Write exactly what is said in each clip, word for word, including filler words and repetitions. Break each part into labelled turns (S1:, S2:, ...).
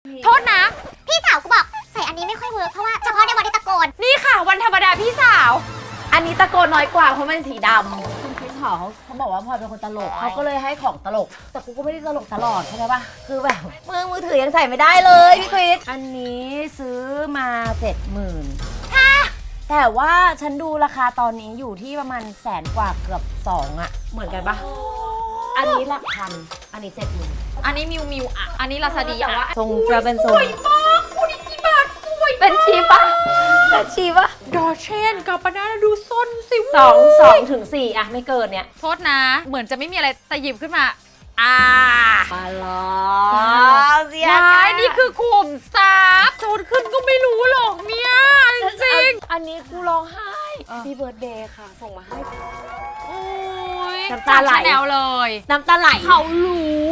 S1: โทษนะพี่สาวกูบอกใส่อันนี้ไม่ค่อยเวิร์กเพราะว่าเฉพาะในวันที่ตะโกนนี่ค่ะวันธรรมดาพี่สาว
S2: อันนี้ตะโกนน้อยกว่าเพราะมันสีดำคุณคริสหอเขาเขาบอกว่าพลอยเป็นคนตลกเขาก็เลยให้ของตลกแต่กูก็ไม่ได้ตลกตลอดใช่ไหมปะคือแบบมือมือถือยังใส่ไม่ได้เลยพี่คริสอันนี้ซื้อมาเจ็ดหมื่นแต่ว่าฉันดูราคาตอนนี้อยู่ที่ประมาณแสนกว่าเกือบสองอะเหมือนกันปะอันนี้หลักพันอันนี้เจ็ดหมื่น
S1: อันนี้มิวมิวอ่ะอันนี้ลาซาดีอ่ะ
S2: ทรงจะเป็นทรง
S1: สวยมากคุณกี่บาทสวย
S2: เป็นชีปะเป็นชีปะ
S1: ดอเชนกับปานาดูซนสิ
S2: สองสองถึงสี่อะไม่เกินเนี้ย
S1: โทษนะเหมือนจะไม่มีอะไรแต่หยิบขึ้นมาอ่า
S2: มาลอเสีย
S1: ใจนี่คือขุมทรัพย์โจนขึ้นก็ไม่รู้หรอกเนี่ยจริง
S2: อันนี้กูร้องไห้พี่เบิร์ดเดย์ค่ะส่งมาให้
S1: โอ้ย
S2: น้ำตาไหล
S1: แนวเลย
S2: น้ำตาไหล
S1: เขารู้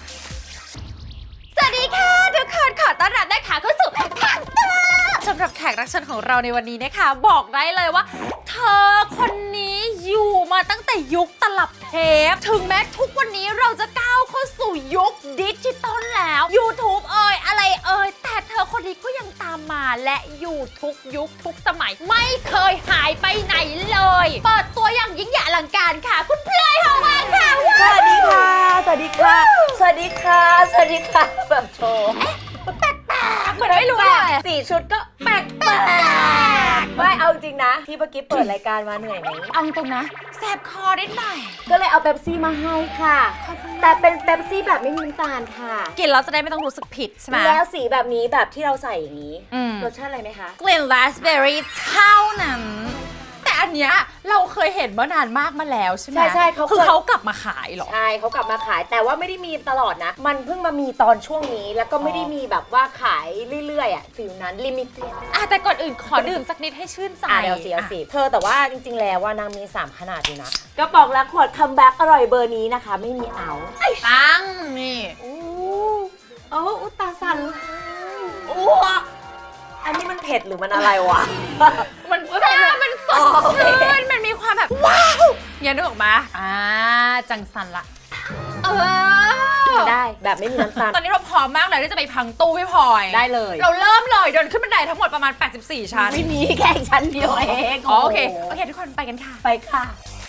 S1: สวัสดีค่ะทุกคนขอต้อนรับนะคะเข้าสู่พักตาสำหรับแขกรับเชิญของเราในวันนี้นะคะบอกได้เลยว่าเธอคนนี้อยู่มาตั้งแต่ยุคตลับเทปถึงแม้ทุกวันนี้เราจะก้าวเข้าสู่ยุคดิจิตอลแล้ว YouTube เอ่ยอะไรเอ่ยแต่เธอคนนี้ก็ยังตามมาและอยู่ทุกยุคทุกสมัยไม่เคยหายไปไหนเลยเปิดตัวอย่างยิ่งใหญ่อลังการค่ะคุณเพลย์หอวังค่ะ
S2: สวัสดีค่ะสวัสดีค่ะสวัสดีค่ะสวัสดีค่ะแบบโชว์
S1: แปลกๆเหมือนไม่รู้เลย
S2: สี่ชุดก็แปลกแปลกไม่เอาจริงนะที่เมื่อกี้เปิดรายการมาเหนื่อยไหม
S1: เอาตรงนะแสบคอได้หน่อย
S2: ก็เลยเอาเป๊ปซี่มาให้ค่ะแต่เป็นเป๊ปซี่แบบไม่มีน้ำตาลค่ะ
S1: กินแล้วจะได้ไม่ต้องรู้สึกผิดใช่ไหม
S2: แล้วสีแบบนี้แบบที่เราใส่อย่างนี้รสชาติอะไรไหมคะ
S1: กลิ่นราสเบอร์รี่เท่านั้นแต่อันเนี้ยเราเคยเห็นเมื่อนานมากมาแล้วใช่ไหม
S2: ใช่ใช่เขา
S1: คือเขากลับมาขายหรอ
S2: ใช่เขากลับมาขายแต่ว่าไม่ได้มีตลอดนะมันเพิ่งมามีตอนช่วงนี้แล้วก็ไม่ได้มีแบบว่าขายเรื่อยๆอ่ะฟิลนั้นลิมิเต็ด
S1: อ่ะแต่ก่อนอื่นขอดื่มสักนิดให้ชื่นใจ
S2: อ่ะเดี๋ยวสิเอาสิเธอแต่ว่าจริงๆแล้วว่านางมีสามขนาดอยู่นะกระป๋องละขวดคัมแบ็กอร่อยเบอร์นี้นะคะไม่มีเอา
S1: ตั้งนี่
S2: อู้โอ้อุตาสันอู้อันนี้มันเผ็ดหรือมันอะไรวะ
S1: มันซ่ามันสดชื่นมันมีความแบบว้าวอย่านึกออกมาอ่าจังสันละเอ
S2: อได้แบบไม่มีน้ำตาล
S1: ตอนนี้เราพร้อมมากเลยที่จะไปพังตู้พี่พลอย
S2: ได้เลย
S1: เราเริ่มเลยเดินขึ้นบันไดทั้งหมดประมาณแปดสิบสี่ชั้น
S2: ไม่มีแค่ชั้นเดียวเอง
S1: โอเคโอเคทุกคนไปกันค่ะ
S2: ไปค่ะ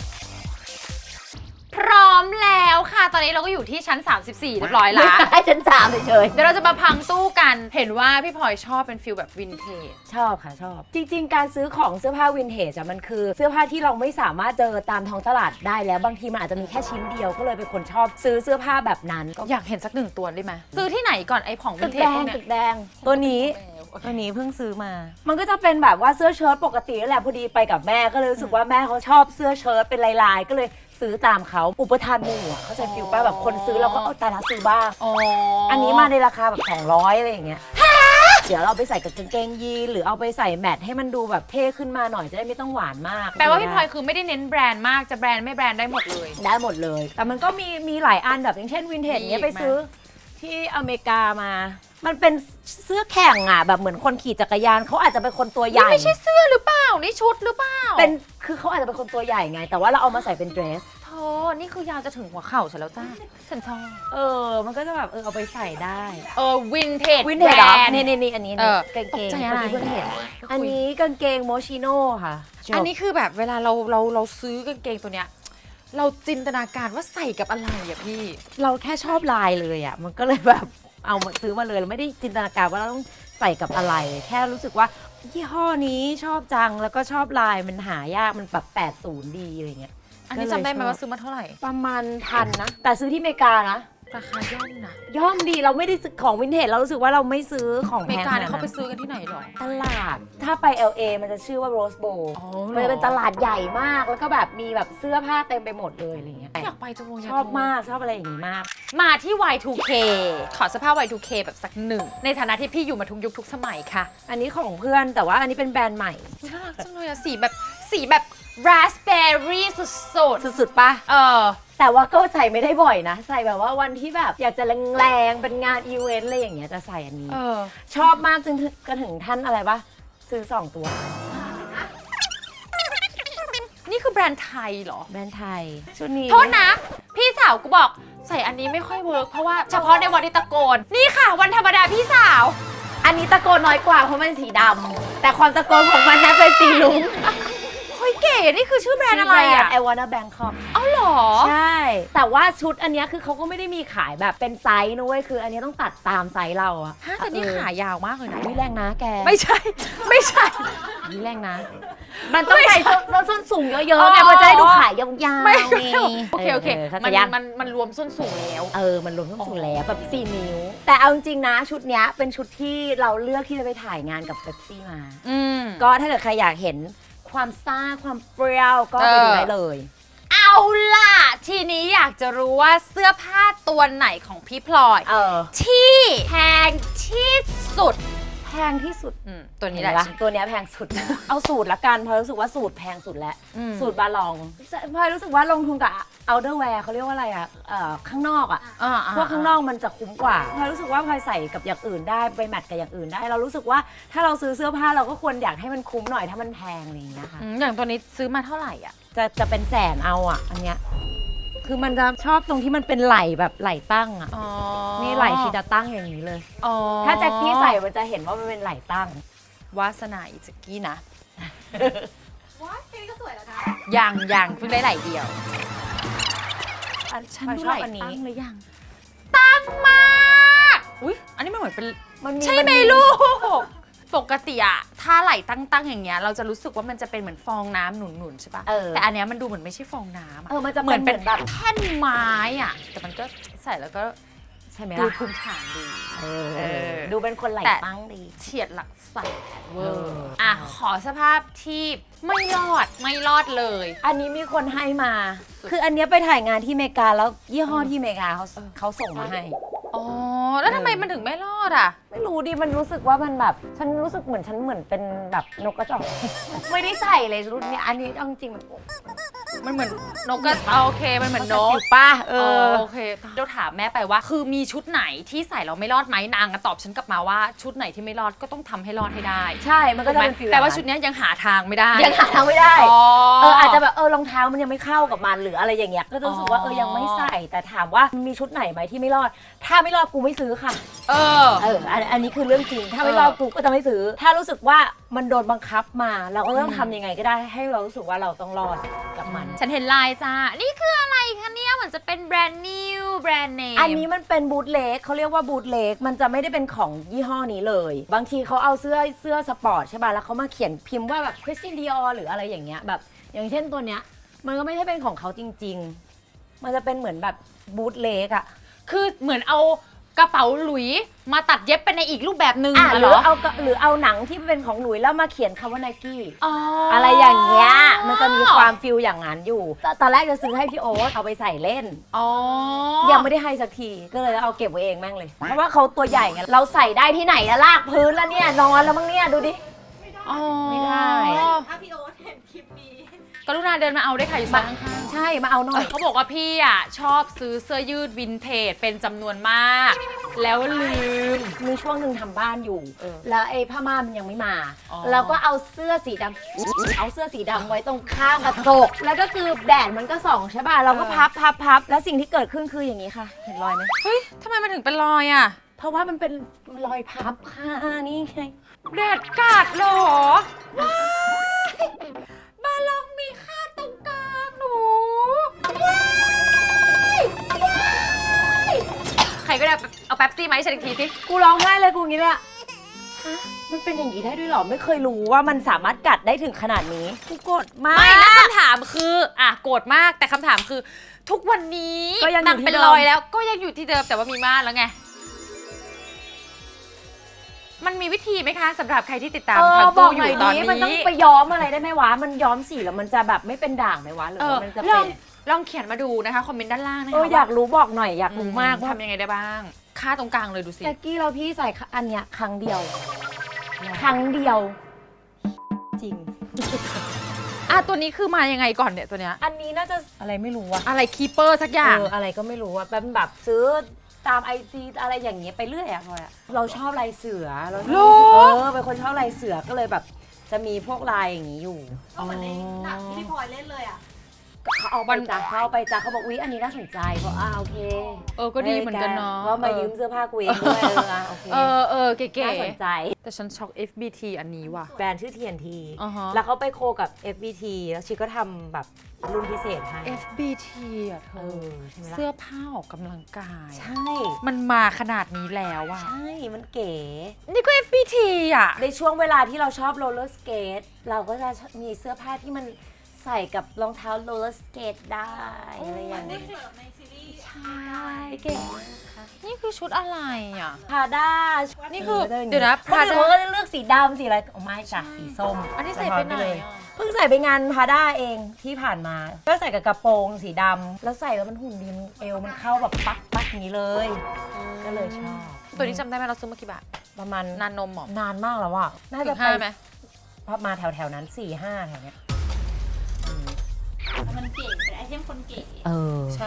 S1: พร้อมแล้วค่ะตอนนี้เราก็อยู่ที่ชั้นสามสิบสี่เรียบร้อยแล้ว
S2: ให้ชั้นสามเฉย
S1: ๆเดี๋ยวเราจะมาพังตู้กันเห็นว่าพี่พลอยชอบเป็นฟิลแบบวินเทจ
S2: ชอบค่ะชอบจริงๆการซื้อของเสื้อผ้าวินเทจอะมันคือเสื้อผ้าที่เราไม่สามารถเจอตามท้องตลาดได้แล้วบางทีมันอาจจะมีแค่ชิ้นเดียวก็เลยเป็นคนชอบซื้อเสื้อผ้าแบบนั้น
S1: อยากเห็นสักหนึ่งตัวได้ไหมซื้อที่ไหนก่อนไอ้ของวินเทจพวกเนี้ย
S2: ตึกแดงตัวนี้ตัวนี้เพิ่งซื้อมามันก็จะเป็นแบบว่าเสื้อเชิ้ตปกตินั่นแหละพอดีไปกับแม่ก็เลยรู้สึกว่าแม่เขาชอบเสื้อเชิ้ตเป็นลายๆก็เลยซื้อตามเขาอุปทานหมู่เขาใจฟิลป้าแบบคนซื้อเราก็เอาแต่ละซื้อบ้างอันนี้มาในราคาแบบสองร้อยอะไรอย่างเงี้ยเดี๋ยวเราไปใส่กับกางเกงยีนหรือเอาไปใส่แมทให้มันดูแบบเท่ขึ้นมาหน่อยจะได้ไม่ต้องหวานมาก
S1: แปลว่าพี่พลอยคือไม่ได้เน้นแบรนด์มากจะแบรนด์ไม่แบรนด์ได้หมดเลย
S2: ได้หมดเลยแต่มันก็มีมีหลายอันแบบอย่างเช่นวินเทจเนี้ยไปซื้อที่อเมริกามามันเป็นเสื้อแข่งอ่ะแบบเหมือนคนขี่จักรยานเขาอาจจะเป็นคนตัวใหญ่
S1: ไม่ใช่เสื้อหรือเปล่านี่ชุดหรือเปล่า
S2: เป็นคือเขาอาจจะเป็นคนตัวใหญ่ไงแต่ว่าเราเอามาใส่เป็นเดรส
S1: โธ่นี่คือยาวจะถึงหัวเข่าฉันแล้วจ้าฉันชอบ
S2: เออมันก็จะแบบเออเอาไปใส่ได้
S1: เออวินเทจ
S2: วินเทจนี่นี่นี่อันนี้กางเกง
S1: อะไร
S2: เพิ่งเห็นอันนี้กางเกงโมชิโน่ค่ะ
S1: อันนี้คือแบบเวลาเราเราเราซื้อกางเกงตัวเนี้ยเราจินตนาการว่าใส่กับอะไรอ่ะพี่
S2: เราแค่ชอบลายเลยอ่ะมันก็เลยแบบเอามาซื้อมาเลยเราไม่ได้จินตนาการว่าเราต้องใส่กับอะไรแค่รู้สึกว่ายี่ห้อนี้ชอบจังแล้วก็ชอบลายมันหายากมันแบบแปดสิบดีอะไรเงี้ย
S1: อันนี้จำได้ไหมว่าซื้อมาเท่าไหร่
S2: ประมาณพันนะแต่ซื้อที่อเมริกานะ
S1: ราคาย่อมนะ
S2: ย่อมดีเราไม่ได้ซื้อของวินเทจเรารู้สึกว่าเราไม่ซื้อของ
S1: อเมริกาเนี่ยเขาไปซื้อกันที่ไหนหรอ
S2: ตลาดถ้าไป แอล เอ มันจะชื่อว่า Rose Bowl มันจะเป็นตลาดใหญ่มากแล้วก็แบบมีแบบเสื้อผ้าเต็มไปหมดเลยอะไรเงี้ย
S1: อยากไปจังเลย
S2: ชอบมากชอบอะไรอย่างนี้มาก
S1: มาที่ วาย ทู เค ขอเสื้อผ้า วาย ทู เค แบบสักหนึ่งในฐานะที่พี่อยู่มาทุกยุคทุกสมัยค่ะ
S2: อันนี้ของเพื่อนแต่ว่าอันนี้เป็นแบรนด์ใหม่
S1: น่ารักจังเลยอะสีแบบสีแบบราสเบอร์รี่สุด
S2: ๆสุดๆป่ะ
S1: เออ
S2: แต่ว่าก็ใส่ไม่ได้บ่อยนะใส่แบบว่าวันที่แบบอยากจะแรงๆเป็นงานอีเวนต์อะไรอย่างเงี้ยจะใส่อันนี้ชอบมากจนกระถึงท่านอะไรปะซื้อสองตัว
S1: นี่คือแบรนด์ไทยเหรอ
S2: แบรนด์ไทยชุดนี้
S1: โทษนะพี่สาวาวกูบอกใส่อันนี้ไม่ค่อยเวิร์กเพราะว่าเฉพาะในวันที่ตะโกนนี่ค่ะวันธรรมดาพี่สาว
S2: อันนี้ตะโกนน้อยกว่าเพราะมันสีดำแต่ความตะโกนของมันนั้นเป็นสีลุ้ง
S1: เฮ้ยเก๋นี่คือชื่อแบรนด์อะไรอะ
S2: I wanna Bangkok
S1: เอ้าหรอ
S2: ใช่แต่ว่าชุดอันนี้คือเขาก็ไม่ได้มีขายแบบเป็นไซส์นะเว้ยคืออันนี้ต้องตัดตามไซส์เราอะ
S1: ฮะแต่นี่ขายาวมากเลยนะ
S2: วิแรงนะแก
S1: ไม่ใช่ไม่ใช่
S2: วิแรงนะมันต้องใส่ส้นสูงเยอะๆไงมันจะได้ดูขายยาวๆ
S1: ไม่โอเคโอเคมันมันมันรวมส้นสูงแล้ว
S2: เออมันรวมส้นสูงแล้วแบบสี่นิ้วแต่เอาจริงๆนะชุดนี้เป็นชุดที่เราเลือกที่จะไปถ่ายงานกับเป๊ปซี่มาก็ถ้าเกิดใครอยากเห็นความซ่าความเปรี้ยวก็ไปดูได้เลย
S1: เอาล่ะทีนี้อยากจะรู้ว่าเสื้อผ้าตัวไหนของพี่พลอย
S2: เออ
S1: ที่แพงที่สุด
S2: แพงที่สุด
S1: ตัวนี้แหละ
S2: ตัวนี้แพงสุด เอาสูตรละกันพอรู้สึกว่าสูตรแพงสุดแล้วสูตรบาลองพอรู้สึกว่าลงทุนกับเอาเดอร์แวร์เขาเรียกว่าอะไรอ่ะข้างนอกอ่ะพวกข้างนอกมันจะคุ้มกว่าพอรู้สึกว่าพอใส่กับอย่างอื่นได้ไปแมทกับอย่างอื่นได้เรารู้สึกว่าถ้าเราซื้อเสื้อผ้าเราก็ควรอยากให้มันคุ้มหน่อยถ้ามันแพงอะไรอย่างเงี้ยค่ะ
S1: อย่างตัวนี้ซื้อมาเท่าไหร่อ่ะ
S2: จะจะเป็นแสนเอาอ่ะอันเนี้ยคือมันจะชอบตรงที่มันเป็นไหล่แบบไหล่ตั้งอ่ะนี่ไหล่ชีจะตั้งอย่างนี้เลยถ้าแจ็คกี้ใส่มันจะเห็นว่ามันเป็นไหล่ตั้ง
S1: วาสนาอีแจ็คกี้นะ
S3: ว้าแค่นี้ก็สวยแล้วนะ
S1: ยังยังเพิ่งได้ไหล่เดียว
S2: อันฉันชอบอันนี้
S1: หรือยังตั้งมากอุ้ยอันนี้มันเหมือนเป็นใช่ไหมลูกปกติอะถ้าไหล่ตั้งๆอย่างเงี้ยเราจะรู้สึกว่ามันจะเป็นเหมือนฟองน้ำหนุนๆใช่ปะแต่อันเนี้ยมันดูเหมือนไม่ใช่ฟองน้ำ
S2: เออมันจะ
S1: เหมือนเป็นแบบแท่นไม้อะแต่มันก็ใส่แล้วก็
S2: ใช่ไหม
S1: ดูภูมิฐานดี
S2: ดูเป็นคนไหล่ตั้งดี
S1: เฉียดหลักแสนเวอร์อ่ะขอสภาพที่ไม่รอดไม่รอดเลย
S2: อันนี้มีคนให้มาคืออันนี้ไปถ่ายงานที่อเมริกาแล้วยี่ห้อที่อเมริกาเขาเขาส่งมาให้
S1: อ๋อแล้วทำไมมันถึงไม่รอดอ่ะ
S2: ไม่รู้ดิมันรู้สึกว่ามันแบบฉันรู้สึกเหมือนฉันเหมือนเป็นแบบนกกระจอกไม่ได้ใส่เลยรุ่นนี้อันนี้จริงมัน
S1: มันเหมือนนกกระโอเคมันเหมือนนก
S2: ป้าเออ
S1: โอเคเราถามแม่ไปว่าคือมีชุดไหนที่ใส่เราไม่รอดไหมนางก็ตอบฉันกลับมาว่าชุดไหนที่ไม่รอดก็ต้องทำให้รอดให้ได้
S2: ใช่มันก็จะเป็น
S1: ฟีลแต่ว่าชุดนี้ยังหาทางไม่ได้
S2: ยังหาทางไม่ได้เอออาจจะแบบเออรองเท้ามันยังไม่เข้ากับมันหรืออะไรอย่างเงี้ยก็รู้สึกว่าเออยังไม่ใส่แต่ถามว่ามีชุดไหนไหมที่ไม่รอดถ้าไม่รอดกูไม่ซื้อค่ะ
S1: เออ
S2: เอออันนี้คือเรื่องจริงถ้าไม่รอดกูก็จะไม่ซื้อถ้ารู้สึกว่ามันโดนบังคับมาเราก็ต้องทำยังไงก็ได้ให้เรารู้สึกว่าเราต้องรอดกับมัน
S1: ฉันเห็นลายจ้านี่คืออะไรคะเนี่ยเหมือนจะเป็นแบรนด์นิวแบรนด์เนม
S2: อันนี้มันเป็นบูทเล็กเขาเรียกว่าบูทเล็กมันจะไม่ได้เป็นของยี่ห้อนี้เลยบางทีเขาเอาเสื้อเสื้อสปอร์ตใช่ป่ะแล้วเขามาเขียนพิมพ์ว่าแบบคริสตินดิออร์หรืออะไรอย่างเงี้ยแบบอย่างเช่นตัวเนี้ยมันก็ไม่ใช่เป็นของเขาจริงๆมันจะเป็นเหมือนแบบบูทเล็กอะ
S1: คือเหมือนเอากระเป๋าหลุยมาตัดเย็บเป็นในอีกรูปแบบหนึ่ง
S2: หรือเอาหรือเอาหนังที่เป็นของหลุยแล้วมาเขียนคำว่าไนกี้อะไรอย่างเงี้ยมันจะมีความฟิลอย่างนั้นอยู่ตอนแรกจะซื้อให้พี่โอ๊ตเอาไปใส่เล่นยังไม่ได้ให้สักทีก็เลยเอาเก็บไว้เองแม่งเลยเพราะว่าเขาตัวใหญ่ไงเราใส่ได้ที่ไหนอะลากพื้นแล้วเนี่ยนอนแล้วมั้งเนี่ยดูดิไม่ได้
S3: ถ้าพี่โอ๊ตเห็นคลิปนี้
S1: กรุณาเดินมาเอาได้ค่ะอยู่ข้าง
S2: ใช่มาเอาหน่อย
S1: เขาบอกว่าพี่อ่ะชอบซื้อเสื้อยืดวินเทจเป็นจำนวนมากแล้วลืม
S2: มีช่วงหนึ่งทำบ้านอยู่แล้วไอ้ผ้าม่านมันยังไม่มาเราก็เอาเสื้อสีดำเอาเสื้อสีดำไว้ตรงข้างกระจกแล้วก็คือแดดมันก็ส่องใช่ป่ะเราก็พับพับพับแล้วสิ่งที่เกิดขึ้นคืออย่างนี้ค่ะเห็นรอยไหม
S1: เฮ้ยทำไมมันถึงเป็นรอยอ่ะ
S2: เพราะว่ามันเป็นรอยพับค่ะนี่ไง
S1: แดดกัดหรอว้ายบาลองมีค่าตรงกลางหนูว้ายว้ายใครก็ได้เอาแป๊บซี่มาให้ฉันอีกทีสิ
S2: กูร้องไห้เลยกูอย่างนี้เลยอะมันเป็นอย่างนี้ได้ด้วยหรอไม่เคยรู้ว่ามันสามารถกัดได้ถึงขนาดนี้กูโกรธมาก
S1: ไม่แล้วคำถามคืออ่ะโกรธมากแต่คำถามคือทุกวันนี้นางเป็นรอยแล้วก็ยังอยู่ที่เดิมแต่ว่ามีม่านแล้วไงมันมีวิธีไหมคะสำหรับใครที่ติดตามทางตู้อยู่ตอนนี้
S2: มันต้องไปย้อมอะไรได้ไหมวะมันย้อมสีแล้วมันจะแบบไม่เป็นด่างไหมวะหรือมันจะเป็น
S1: ลองเขียนมาดูนะคะคอมเมนต์ด้านล่างนะคะ
S2: เอออยากรู้บอกหน่อยอยากรู้มาก
S1: ทำยังไงได้บ้างค่าตรงกลางเลยดูสิ
S2: แจ็คกี้เราพี่ใส่อันเนี้ยครั้งเดียวครั้งเดียวจริง
S1: อ่ะตัวนี้คือมายังไงก่อนเนี่ยตัวเนี้ย
S2: อันนี้น่าจะอะไรไม่รู้อะ
S1: อะไรคีเปอร์สักอย่าง
S2: เอออะไรก็ไม่รู้อะเป็นแบบซื้อตามไอจีอะไรอย่างเงี้ยไปเรื่อยอะพลอยเราชอบลายเสือเราเออเป็นคนชอบลายเสือก็เลยแบบจะมีพวกลายอย่างงี้อยู่
S3: ก็เหมือนในหนังที่พี่พลอยเล่นเลยอะ
S2: เขาเอาไปจ้ะเขาเอาไปจ้ะเขาบอกอุ๊ยอันนี้น่าสนใจบอกอ่าโอเค
S1: เออก็ดีเหมือนกันเนาะ
S2: ก็มายืมเสื้อผ้ากูเองด้วยเอออ่ะโอเค
S1: เออเออเก๋
S2: น่าสนใจ
S1: ๆแต่ฉันช็อก เอฟ บี ที อันนี้ว่ะ
S2: แบรนด์ชื่อ ที เอ็น ที
S1: อ่าฮะ
S2: แล้วเขาไปโคกับ เอฟ บี ที แล้วชีก็ทำแบบรุ่นพิเศษให้
S1: เอฟ บี ที อ่ะเธ
S2: เอ
S1: อ
S2: อใช่ไหมล่ะ
S1: เสื้อผ้าออกกำลังกาย
S2: ใช่
S1: มันมาขนาดนี้แล้วอ่ะ
S2: ใช่ มันเก๋
S1: นี่ก็ เอฟ บี ที อ่ะ
S2: ในช่วงเวลาที่เราชอบโรลเลอร์สเกตเราก็จะมีเสื้อผ้าที่มันใส่กับรองเท้าโรลเลอร์สเกตได้อะไรอย่าง
S3: ได้
S2: นี้
S3: เสิร์ฟในซีรีส์
S2: ใช่เก๋มากค่ะ
S1: นี่คือชุดอะไรอ่ะ
S2: พาด้า
S1: นี่คือเดี๋ยวนะ
S2: พา
S1: Prada
S2: ด้าเขาก็จะเลือกสีดำสีอะไรอ๋อไม่จ้ะสีส้ม
S1: อันนี้ใส่ไปไหนอ่ะ
S2: เพิ่งใส่ไปงานพาด้าเองที่ผ่านมา ก็ใส่กับกระโปรงสีดำแล้วใส่แล้วมันหุ่นดีมันเอวมันเข้าแบบปักปักอย่างนี้เลย ก็เลยชอบ
S1: ตัวนี้จำได้ไหมเราซื้อมากี่บาท
S2: ประมาณ
S1: นานนมเหรอน
S2: านมากแล้วอ่ะน่า
S1: ถึ
S2: จะ
S1: ง
S2: ไป
S1: ห้าไหม
S2: พอมาแถวแถวๆนั้นสี่ห้าแถวเนี้ย
S3: แล้วมันเก๋เป็นไอเทมคนเก๋
S2: เออ
S1: ใช่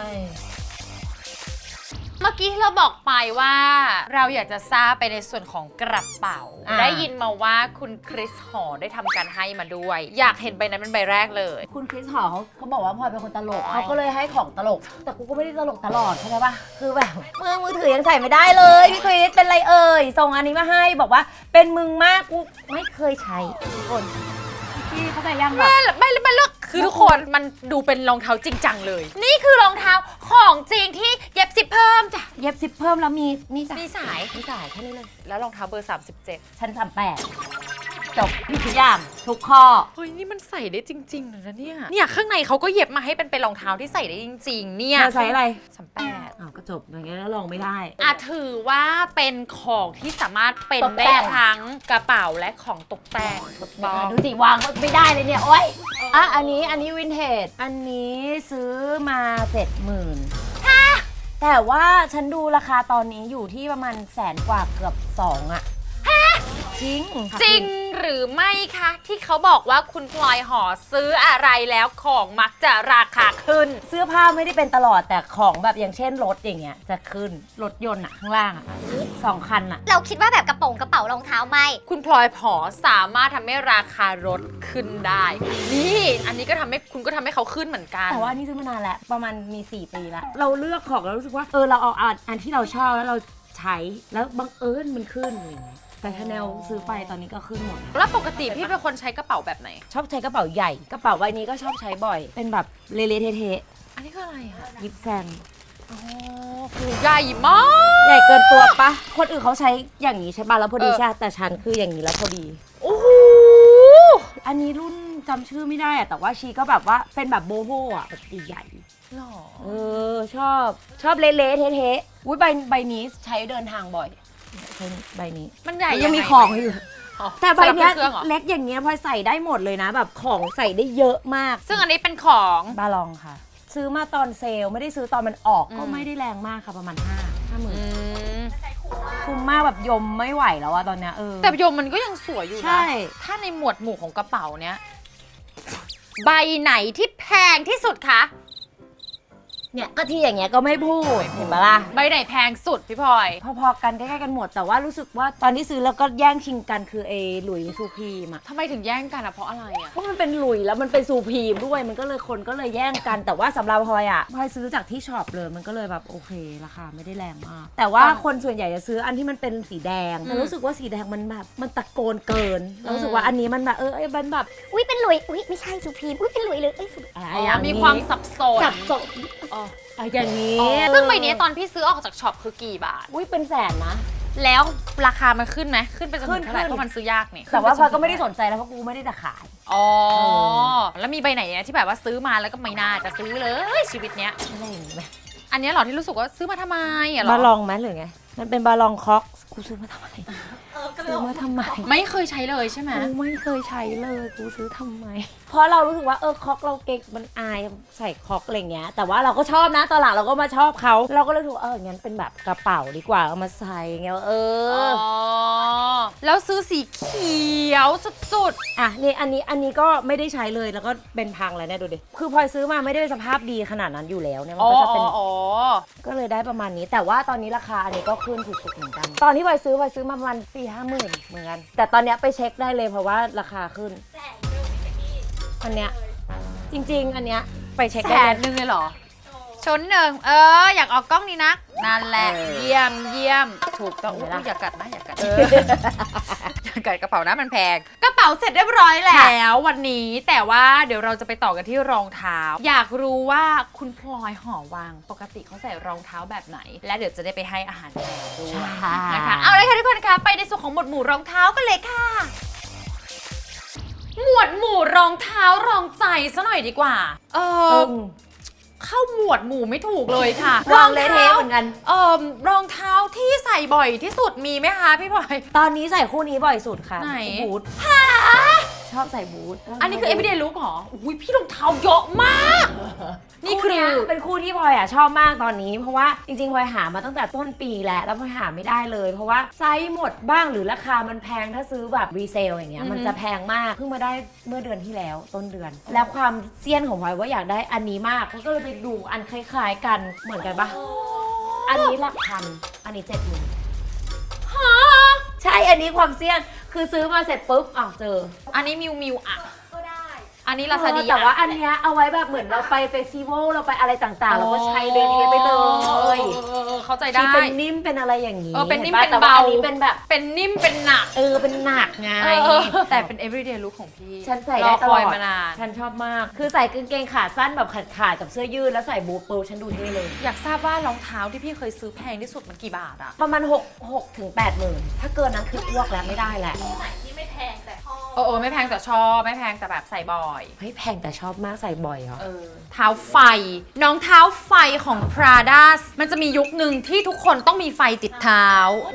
S1: เมื่อกี้ที่เราบอกไปว่าเราอยากจะทราบไปในส่วนของกระเป๋า
S2: อ่า
S1: ได้ยินมาว่าคุณคริสหอได้ทำการให้มาด้วย อยากเห็นใบนั้นเป็นใบแรกเลย
S2: คุณคริสหอเขาเขาบอกว่าพลอยเป็นคนตลกเขาก็เลยให้ของตลก แต่กูก็ไม่ได้ตลกตลอดเข้าใจปะคือแบบมือมือถือยังใส่ไม่ได้เลยพี่คริสเป็นไรเอ่ยส่งอันนี้มาให้บอกว่าเป็นมึงมากกูไม่เคยใช้ทุกคนพี่เข้าใจยังแบบ
S1: ไม่ไม่ไม่เลือกคือทุกคนมันดูเป็นรองเท้าจริงจังเลย นี่คือรองเท้าของจริงที่เย็บซิปเพิ่มจ้ะ
S2: เย็บซิปเพิ่มแล้วมีนี่จ้ะ
S1: มีสาย
S2: มีสายแค่นี้เลย
S1: แล้วรองเท้าเบอร์สามสิบเจ็ด
S2: ชั้นสามแปดจบพี่ทุกอย่างทุกข้อ
S1: เฮ้ยนี่มันใส่ได้จริงๆเลยนะเนี่ยเนี่ยข้างในเขาก็เย็บมาให้เป็นเป็นรองเท้าที่ใส่ได้จริง ๆ เนี่ย
S2: เธอใช้อะไร
S1: สามแปด
S2: อ้าวก็จบอย่างเงี้ยแล้วลองไม่ได้
S1: อ่ะถือว่าเป็นของที่สามารถเป็น
S2: ตก
S1: ได้
S2: แต่ง
S1: ทั้งกระเป๋าและของตกแต่งถูกต้อง
S2: ดูสิวางไม่ได้เลยเนี่ยโอ๊ยอ่ะอันนี้อันนี้วินเทจอันนี้ซื้อมาเจ็ดหมื่นแต่ว่าฉันดูราคาตอนนี้อยู่ที่ประมาณแสนกว่าเกือบสองอะจริงค่ะ
S1: จริงหรือไม่คะที่เขาบอกว่าคุณพลอยหอซื้ออะไรแล้วของมักจะราคาขึ้น
S2: เสื้อผ้าไม่ได้เป็นตลอดแต่ของแบบอย่างเช่นรถอย่างเงี้ยจะขึ้นรถยนต์อะข้างล่างอะสองคันอะ
S4: เราคิดว่าแบบกระโปรงกระเป๋ารองเท้าไม่
S1: คุณพลอยหอสามารถทำให้ราคารถขึ้นได้ นี่อันนี้ก็ทำให้คุณก็ทำให้เขาขึ้นเหมือนกัน
S2: แต่ว่าอันนี้ซื้อมานานแล้วประมาณมีสี่ปีแล้วเราเลือกของแล้วรู้สึกว่าเออเราเอาอันอันที่เราชอบแล้วเราใช้แล้วบังเอิญมันขึ้นอะไรอย่างเงี้ยแต่ชาแนลซื้อไปตอนนี้ก็ขึ้นหมด
S1: แล้วปกติพี่เป็นคนใช้กระเป๋าแบบไหน
S2: ชอบใช้กระเป๋าใหญ่กระเป๋าใบนี้ก็ชอบใช้บ่อย เป็นแบบเละๆเทะ
S1: อันนี้คืออะไรคะ
S2: ๆยิบแซง
S1: อ๋อคือใหญ่มาก
S2: ใหญ่เกินตัวปะคนอื่นเขาใช้อย่างนี้ใช่ปะแล้วพอดี
S1: เออ
S2: ใช่แต่ฉันคืออย่างนี้แล้วพอดี
S1: โอ้โห
S2: อันนี้รุ่นจำชื่อไม่ได้อะแต่ว่าชีก็แบบว่าเป็นแบบโบโฮอะแบบใหญ่
S1: หรอ
S2: เออชอบชอบเละๆเทะๆอุ้ยใบใบนี้ใช้เดินทางบ่อยใช้ใบนี้
S1: มันใหญ่
S2: ยังมี
S1: ไ
S2: ของอยู่
S1: อ๋อ
S2: แต่ใบเนี้ย
S1: สำหรับเครื่องเหรอ
S2: เล็กอย่างเงี้ยพลอยใส่ได้หมดเลยนะ แบบของใส่ได้เยอะมาก
S1: ซึ่งอันนี้เป็นของ
S2: บาลองค่ะ ซื้อมาตอนเซลล์ไม่ได้ซื้อตอนมันออก
S1: อืม
S2: ก็ไม่ได้แรงมากค่ะประมาณห้าห้าหมื่น
S1: อืม
S2: คุ้มมากแบบยมไม่ไหวแล้วอะตอนเนี้ยเออ
S1: แต่โยมมันก็ยังสวยอยู่
S2: ใช่
S1: นะ ถ้าในหมวดหมู่ของกระเป๋าเนี้ย ใบไหนที่แพงที่สุดคะ
S2: เนี่ยก็ที่อย่างเงี้ยก็ไม่พูดเห็นปะล่ะ
S1: ใบไหนแพงสุดพี่พลอย
S2: พอๆกันใกล้ๆกันหมดแต่ว่ารู้สึกว่าตอนที่ซื้อแล้วก็แย่งชิงกันคือเอหลุยซูพีมอะ
S1: ทำไมถึงแย่งกันอะเพราะอะไรอะ
S2: เพราะมันเป็นหลุยแล้วมันเป็นซูพีมด้วยมันก็เลยคนก็เลยแย่งกันแต่ว่าสำหรับพลอยอะพลอยซื้อจากที่ช็อปเลยมันก็เลยแบบโอเคราคาไม่ได้แรงมาก แต่ว่าคนส่วนใหญ่จะซื้ออันที่มันเป็นสีแดงแต่รู้สึกว่าสีแดงมันแบบมันตะโกนเกินแล้วรู้สึกว่าอันนี้มันแบบเออเอ้ยมันแบบ
S4: อุ้ยเป็นหลุย อุ้ยไม่ใช่สุพีมอุ้ยเป็นหลุยเลยเอ้ยสุ
S2: อะไร
S1: อ๋อ
S2: อย่างนี้
S1: มีความสับสน
S2: จับจบ
S1: อ๋อ
S2: อะไรอย่างนี้
S1: ซึ่งใบนี้ตอนพี่ซื้อออกจากช็อปคือกี่บาท
S2: อุ้ยเป็นแสนนะ
S1: แล้วราคามันขึ้นไหมขึ้นไปจน
S2: ขึ้
S1: ถึ
S2: น
S1: งเท่าไหร่
S2: ขึ้น
S1: เพราะมันซื้อยากนี่
S2: แต่ว่าพลอยก็ไม่ได้
S1: ขึ้น
S2: สนใจแล้วเพราะกูไม่ได้จะขาย
S1: อ๋อ แล้วมีใบไหนเนี่ยที่แบบว่าซื้อมาแล้วก็ไม่น่าจะซื้อเลยชีวิตเนี้ย
S2: อะไรอย่างนี้ไหม
S1: อันเนี้ยเหรอที่รู้สึกว่าซื้อมาทำไมอะเหร
S2: บา
S1: อ
S2: ลองไหมหรือไงมันเป็นบาลองคอกกูซื้อมาทำไม
S3: เออกระโด
S2: ซื้อ
S3: ด
S2: มาทำไม
S1: ไม่เคยใช้เลยใช่ไหม
S2: กูไม่เคยใช้เลยกูซื้อทำไม เพราะเรารู้สึกว่าเออคอกเราเก๊กมันอายใส่คอกอะไรเงี้ยแต่ว่าเราก็ชอบนะตอนหลังเราก็มาชอบเขาเราก็เลยถูกเอองั้นเป็นแบบกระเป๋าดีกว่าเอามาใส่เงี้ยเอ
S1: อ๋
S2: อ
S1: อ แล้วซื้อสีเขียวสุด
S2: อ่ะนี่อันนี้อันนี้ก็ไม่ได้ใช้เลยแล้วก็เป็นพังแล้วเนี่ยดูดิคือพลอยซื้อมาไม่ได้สภาพดีขนาดนั้นอยู่แล้วเนี่ย
S1: ๆ
S2: มัน
S1: อ๋อ
S2: ก็จะเป็น
S1: อ๋อ
S2: ก็เลยได้ประมาณนี้ แต่ว่าตอนนี้ราคาอันนี้ก็ขึ้นสุดๆเหมือนกัน ตอนที่พลอยซื้อพลอยซื้อมาประมาณสี่ห้าหมื่นเหมือนกันแต่ตอนเนี้ยไปเช็คได้เลยเพราะว่าราคาขึ้น
S3: แสนเดิมพี่เจกกี้
S2: อันเนี้ยจริงๆ อันเนี้ยไปเช็ค
S1: แส
S2: ได้
S1: น
S2: เลย
S1: หนึ่งเลยเหรอชนหนึ่งเอออยากออกกล้องนี้นะนั่นแหละ
S2: เออ
S1: เยี่ยมเยี่ยมถูกต้อง
S2: เห็นไหม
S1: อุ๊
S2: ล่ะ
S1: ยอย่ากัดนะอย่ากัดอย่ากัดกระเป๋านะมันแพงกระเป๋าเสร็จเรียบร้อยแล้ววันนี้แต่ว่าเดี๋ยวเราจะไปต่อกันที่รองเท้า อยากรู้ว่าคุณพลอยหอวังปกติเขาใส่รองเท้าแบบไหน และเดี๋ยวจะได้ไปให้อาหารแมวด้วยนะคะเอาเลยค่ะทุกคนคะไปในส่วนของหมวดหมู่รองเท้ากันเลยค่ะ หมวดหมู่รองเท้ารองใจซะหน่อยดีกว่า เออเข้าหมวดหมู่ไม่ถูกเลยค่ะ
S2: วางเลยเทเหมือนกัน
S1: เอ่อรองเท้าที่ใส่บ่อยที่สุดมีไหมคะพี่พลอย
S2: ตอนนี้ใส่คู่นี้บ่อยสุดค่ะ
S1: ไหน
S2: บูทชอบใส่บูท
S1: อันนี้คือ everyday look เหรออุ้ยพี่รองเท้าเยอะมาก นี่คือ
S2: เยเป็นคู่ที่พลอยอ่ะชอบมากตอนนี้ เพราะว่าจริงๆพลอยหามาตั้งแต่ต้นปีแล้วแล้วพลอยหาไม่ได้เลย เพราะว่าไซส์หมดบ้างหรือราคามันแพงถ้าซื้อแบบรีเซลอย่างเงี้ยมันจะแพงมากเพิ่งมาได้เมื่อเดือนที่แล้วต้นเดือน แล้วความเซียนของพลอยว่าอยากได้อันนี้มากก็เลยไปดูอันคล้ายๆกันเหมือนกันปะอันนี้หลักพันอันนี้เจ็ดหมื่นใช่อันนี้ความเซียนคือซื้อมาเสร็จปุ๊บอ้าวเจอ
S1: อันนี้มิวมิวอ่ะ
S3: ก็ได้
S1: อันนี้ลาซาดี
S2: แต่ว่าอันเนี้ยเอาไว้แบบเหมือนเราไปเฟสติวัลเราไปอะไรต่างๆเราก็ใช้เดินเทปไปเลย
S1: เข้าใจได้
S2: ที่เป็นนิ่มเป็นอะไรอย่างนี้
S1: เออเป็นนิ่ม
S2: ห็
S1: เป็น
S2: แต่ว่า
S1: เบา
S2: อันนี้เป็นแบบ
S1: เป็นนิ่มเป็นหนัก
S2: เออเป็นหนักไง
S1: เออแต่เป็น everyday look ของพี่
S2: ฉันใส่ได้ต
S1: ร
S2: ล
S1: อ
S2: อ
S1: ค
S2: ด
S1: ยมานาน
S2: ฉันชอบมาก คือใส่กางเกงขาสั้นแบบขาดๆกับเสื้อยืดแล้วใส่บูทปูฉันดูเท่เลย
S1: อยากทราบว่ารองเท้าที่พี่เคยซื้อแพงที่สุดมันกี่บาทอะ
S2: ประมาณหก หกถึงแปดหมื่นถ้าเกินนั้นคืออ้วกแล้วไม่ได้แหละ
S3: คู่ไหนที่ไม่แพงแต่ชอบ
S1: เออเออไม่แพงแต่ชอบไม่แพงแต่แบบใส่บ่อย
S2: เฮ้ยแพงแต่ชอบมากใส่บ่อยเหรอ
S1: เออเท้าไฟ น้องเท้าไฟของ Prada มันจะมียุคหนึ่งที่ทุกคนต้องมีไฟติดเท้าร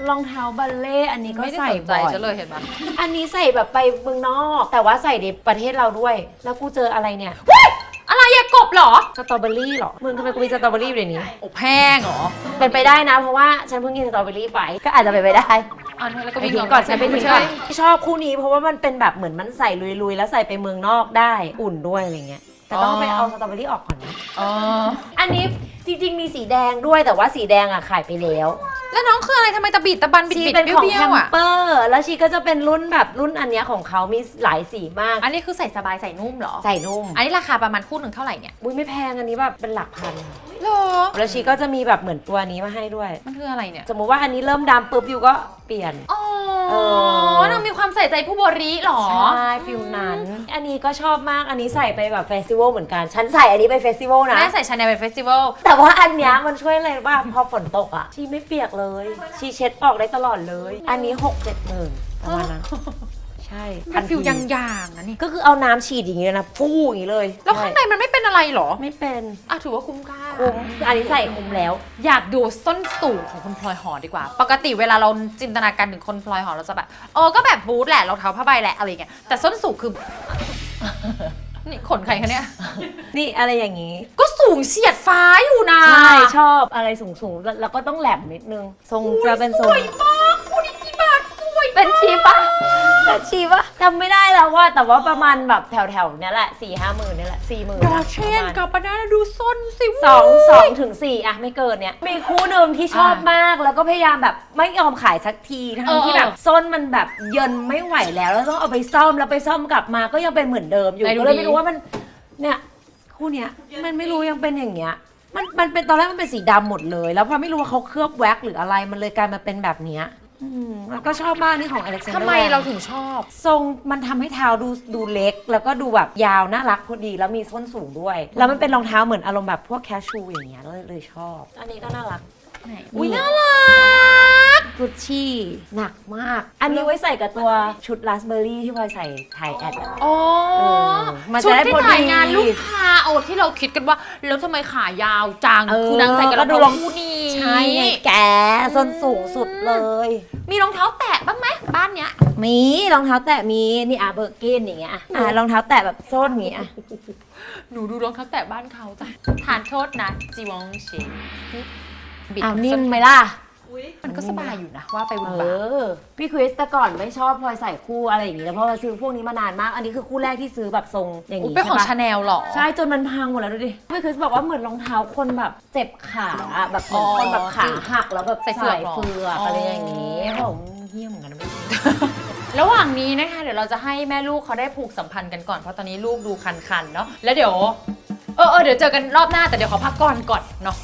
S2: องเท้าบัลเล่อันนี้ก็
S1: ไม่ได้
S2: ใส่
S1: สนใจ
S2: บ่อย
S1: จะเลยเห็นปะ
S2: อันนี้ใส่แบบไปเมืองนอก แต่ว่าใส่ในประเทศเราด้วย แล้วกูเจออะไรเนี่ย
S1: อะไรอะกบเหรอ
S2: สตรอเบอรี่เหรอ มึงทำไมกูมีสตรอเบอรี่อยู่ในนี้
S1: โอ้แพงเหรอ
S2: เป็นไปได้นะ เพราะว่าฉันเพิ่งกินสตรอเบอรี่ไป ก็อาจจะเป็นไปได้
S1: อันนี้แล้วก็
S2: ไป
S1: วิ่ง
S2: ทิ้งก่อนฉันไปทิ้งก่อน
S1: ใช่
S2: ชอบคู่นี้เพราะว่ามันเป็นแบบเหมือนมันใส่ลุยๆ แล้วใส่ไปเมืองนอกได้ อุ่นด้วยอะไรเงี้ย แต่ต้องไปเอาสตรอเบอรี่ออกก่อนนะ
S1: อ๋อ
S2: อันนี้จริงๆมีสีแดงด้วยแต่ว่าสีแดงอ่ะขายไปแล้ว
S1: แล้วน้องคืออะไรทำไมตะบิดตะบันบิด
S2: ชี
S1: บิด
S2: เป็น
S1: เบี้
S2: ของ
S1: ย
S2: แค
S1: ว
S2: ม
S1: ๆอะ
S2: เปอร์แล้วชีก็จะเป็นรุ่นแบบรุ่นอันเนี้ยของเขามีหลายสีมาก
S1: อันนี้คือใส่สบายใส่นุ่มเหรอ
S2: ใส่นุ่ม
S1: อันนี้ราคาประมาณคู่หนึ่งเท่าไหร่เนี่ย
S2: อุ้ยไม่แพงอันนี้แบบเป็นหลักพัน
S1: เหรอ
S2: แล้วชีก็จะมีแบบเหมือนตัวนี้มาให้ด้วย
S1: มันคืออะไรเนี่ย
S2: สมมุติว่าอันนี้เริ่มดำปุ๊บอยู่ก็เปลี่ยน
S1: อ๋อ
S2: เออ
S1: นางมีความใส่ใจผู้บริหรอ
S2: ใช่ฟิลนั้น อันนี้ก็ชอบมากอันนี้ใส่ไปแบบเฟสติวัลเหมือนกัน ฉันใส่อันนี้ไปเฟสติวัลนะ
S1: แม่ใส่ชาแนลไปเฟสติวัล
S2: แต่ว่าอันเนี้ยมันช่วยอะไรรู้ป่ะพอฝนตกอ่ะ ชีไม่เปียกเลย ชีเช็ดออกได้ตลอดเลย อันนี้หกเจ็ดหมื่นประมาณนั้น ใช่
S1: มันฟิล
S2: ที
S1: ยางๆนะนี่
S2: ก็คือเอาน้ำฉีดอย่างนี้เลยนะฟู่อย่างนี้เลย
S1: แล้วข้างในมันไม่เป็นอะไรเหรอ
S2: ไม่เป็น
S1: อ่ะถือว่าคุ้มค่า
S2: คุ้มอันนี้ใส่คุ้มแล้ว
S1: อยากดูส้นสูงของคุณพลอยหอดีกว่า ปกติเวลาเราจินตนาการถึงคนพลอยหอเราจะแบบเออก็แบบบูทแหละรองเท้าผ้าใบแหละอะไรเงี้ย แต่ส้นสูงคือ นี่ขนใครคะเนี่ย
S2: นี่อะไรอย่างนี้
S1: ก็สูงเฉียดฟ้าอยู่นะ
S2: ใช่ชอบอะไรสูงๆ แล้วก็ต้องแหลมนิดนึง ทรงจะเป็นท
S1: ส
S2: รง
S1: วยมากคุณนี่กี่บาทสวย
S2: เป็นชีปะเป็นชีปะจำไม่ได้แล้วว่าแต่ว่าประมาณแบบแถวๆเนี้ยแหละสี่ห้าหมื่นเนี่ยแหละสี่หมื่น
S1: ดอเชนกับปานาดูส้นสิ
S2: สองสองถึงสี่อะไม่เกินเนี้ยมีคู่หนึ่งที่ชอบมากแล้วก็พยายามแบบไม่ยอมขายสักทีทั้งที่แบบส้นมันแบบเยินไม่ไหวแล้วแล้วต้องเอาไปซ่อมแล้วไปซ่อมกลับมาก็ยังเป็นเหมือนเดิมอยู่ก็เลยไม่รู้ว่ามันเนี่ยคู่เนี้ยมันไม่รู้ยังเป็นอย่างเงี้ยมันมันเป็นตอนแรกมันเป็นสีดำหมดเลย แล้วพอไม่รู้ว่าเขาเคลือบแว็กซ์หรืออะไรมันเลยกลายมาเป็นแบบเนี้ยอืมแล้วก็ชอบมากนี่ของอเล็กซานเดอร์
S1: ทำไมเราถึงชอบ
S2: ทรงมันทำให้เท้าดูดูเล็ก แล้วก็ดูแบบยาวน่ารักพอดีแล้วมีส้นสูงด้วย แล้วมันเป็นรองเท้าเหมือนอารมณ์แบบพวกแคชชูอย่างเงี้ยเลยเลยชอบ อันนี้ก็น่ารัก
S1: อุ้ยน่ารัก
S2: กุชชี่หนักมาก อันนี้ไว้ใส่กับตัวชุดราสเบอร์รี่ที่พลอยใส่ถ่ายแอดอะ
S1: อ๋อ
S2: เออมัน
S1: ชุ
S2: จะ
S1: ด
S2: ได้
S1: ที่
S2: พอดี
S1: ถ่ายงานลูกค้าโอ้ที่เราคิดกันว่า แล้วทำไมขายาวจัง
S2: เออ
S1: คือนางใส่กับรอง
S2: ก็ดูร
S1: เท้า
S2: อง
S1: คู่นี้
S2: ใช่ไงแกส้นสูงสุดเลย
S1: มีรองเท้าแตะบ้างไหมบ้านเนี้ย
S2: มีรองเท้าแตะมีนี่อ่ะเบอร์เกนอย่างเงี้ยอ่ะอ่ะรองเท้าแตะแบบส้นอย่างเงี้ยอ่ะ
S1: หนูดูรองเท้าแตะบ้านเขาจ้ะทานโทษนะจีวองเชงบิด
S2: อ้าวนิ่มไหมล่ะ
S3: อุ้ย
S1: มันก็สบายอยู่นะว่าไปบุญ
S2: เอบ
S1: า
S2: อ พี่คริสแต่ก่อนไม่ชอบพลอยใส่คู่อะไรอย่างนี้แล้วเพราะว่าซื้อพวกนี้มานานมาก อันนี้คือคู่แรกที่ซื้อแบบทรงอย่าง
S1: อุ๊ย
S2: นี้
S1: เป็นของ
S2: ใช่
S1: ชา
S2: ปะ
S1: แนลหรอ
S2: ใช่จนมันพังหมดแล้วดูดิพี่คริสบอกว่าเหมือนรองเท้าคนแบบเจ็บขาอะแบบเหมือนคนแบบขาหักแล้วแบบ
S1: ใส่เฟือกเหรอ
S2: เฟือก
S1: อ๋ออ
S2: อะไรอย่างนี้ผมเฮี้ยเหมือนกันนะไม่รู้
S1: ระหว่างนี้นะคะเดี๋ยวเราจะให้แม่ลูกเขาได้ผูกสัมพันธ์กันก่อนเพราะตอนนี้ลูกดูคันๆเนาะแล้วเดี๋ยวเออเออเดี๋ยวเจอกันรอบหน้าแต่เดี๋ยวขอพักก่อนก่อนเนาะ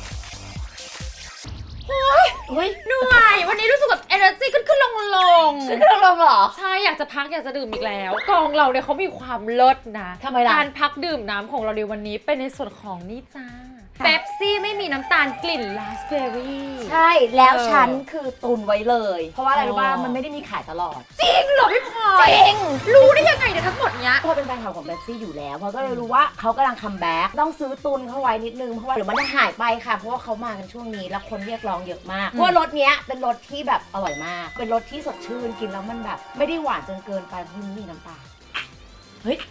S2: เฮ้ย
S1: เหนื่อยวันนี้รู้สึกแบบ energy ขึ้นขึ้นลงลง
S2: ขึ้นเครื่องลงเหรอ
S1: ใช่อยากจะพักอยากจะดื่มอีกแล้วกองเราเนี่ยเขามีความเลิศนะ
S2: ทำไมล่ะ
S1: การพักดื่มน้ำของเราในวันนี้เป็นในส่วนของนี่จ้าเป๊ปซี่ไม่มีน้ำตาลกลิ่นราสเบอร์รี่
S2: ใช่แล้ว
S1: เออ
S2: ฉันคือตุนไว้เลย เพราะว่าอะไรรู้ป่ะ
S1: อ๋อ
S2: มันไม่ได้มีขายตลอด
S1: จริงเหรอพี่พลอย
S2: จริง
S1: รู้ได้ยังไงเนี่ยทั้งหมดเนี้ย
S2: พอเป็นแฟนคลับของเบปซี่อยู่แล้วเพราะก็เลยรู้ว่าเขากำลังคัมแบ็กต้องซื้อตุนเข้าไว้นิดนึงเพราะว่าเดี๋ยวมันจะหายไปค่ะเพราะว่าเขามากันช่วงนี้แล้วคนเรียกร้องเยอะมากเพราะว่ารสเนี้ยเป็นรสที่แบบอร่อยมาก เป็นรสที่สดชื่นกินแล้วมันแบบ ไม่ได้หวานจนเกินไปเพราะมันมีน้ำตาลเฮ้ย